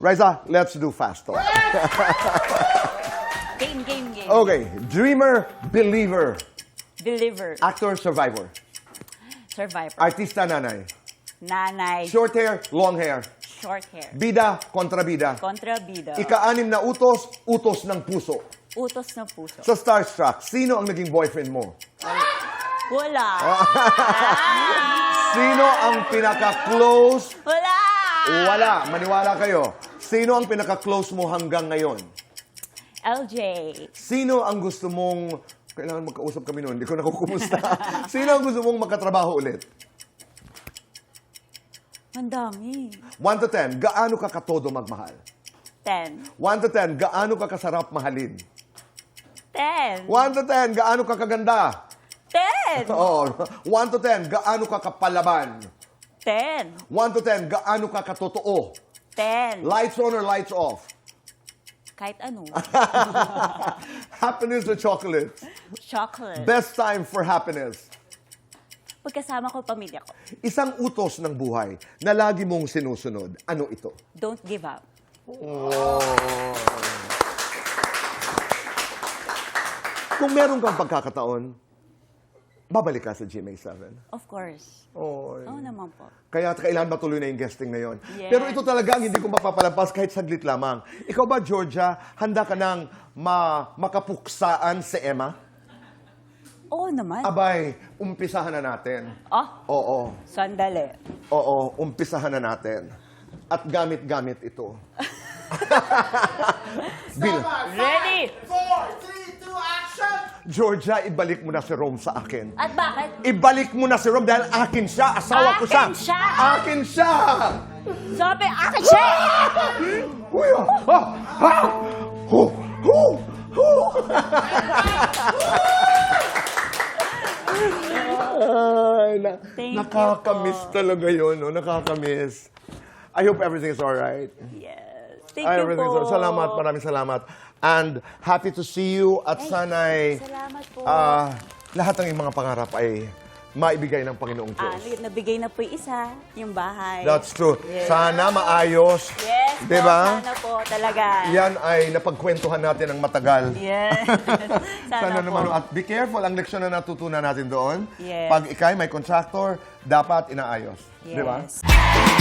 Riza, let's do fast talk. Game. Okay, dreamer, believer, Deliver. actor, survivor, Survivor. artista, nanay, Nanay. short hair, long hair, Short hair. bida, kontrabida, Kontrabida. ika-anim na utos, utos ng puso. Utos ng puso. Sa Starstruck, sino ang naging boyfriend mo? Wala. Sino ang pinaka-close? Wala. Wala, maniwala kayo. Sino ang pinaka-close mo hanggang ngayon? LJ. Sino ang gusto mong... Kailangan magkausap kami noon, hindi ko nakukumusta. Sino ang gusto mong magkatrabaho ulit? Mandami. 1 to 10, gaano ka katodo magmahal? 10. 1 to 10, gaano ka kasarap mahalin? 10. 1 to 10, gaano ka kaganda? 10. Oo. 1 to 10, gaano ka kapalaban? 10. 1 to 10, gaano ka katotoo? 10. Lights on or lights off? Kahit ano. Happiness or chocolate? Chocolate. Best time for happiness? Pagkasama ko pamilya ko. Isang utos ng buhay na lagi mong sinusunod. Ano ito? Don't give up. Kung meron kang pagkakataon, babalik ka sa GMA7. Of course. Oh, Oo naman po. kaya kailangan matuloy na yung guesting na yon. Yes. Pero ito talaga ang hindi ko mapapalampas kahit saglit lamang. Ikaw ba, Georgia, handa ka nang makapuksaan si Emma? Oo naman. Abay, umpisahan na natin. Oo. Sandali. Oo, umpisahan na natin. At gamit-gamit ito. Ready? 4, 3, 2, action! Georgia, ibalik mo na si Rome sa akin. At bakit? Ibalik mo na si Rome dahil akin siya. Asawa ko siya. Akin siya? Akin siya! Sabi, akin siya! Uy, Ay, Thank you nakakamiss po. talaga yun, no? Nakakamiss. I hope everything is alright. Yes. Thank you Everything po. is alright. Salamat, maraming salamat. And happy to see you at sana'y Salamat po. lahat ng iyong mga pangarap ay maibigay ng Panginoong Diyos. Nabigay na po yung isa, yung bahay. That's true. Yes. Sana maayos. Yes po, Diba? sana po talaga. Yan ay napagkwentuhan natin ng matagal. Yes. Sana sana po. naman. At be careful, ang leksyon na natutunan natin doon. Yes. Pag ikay may contractor, dapat inaayos. Yes. Di ba?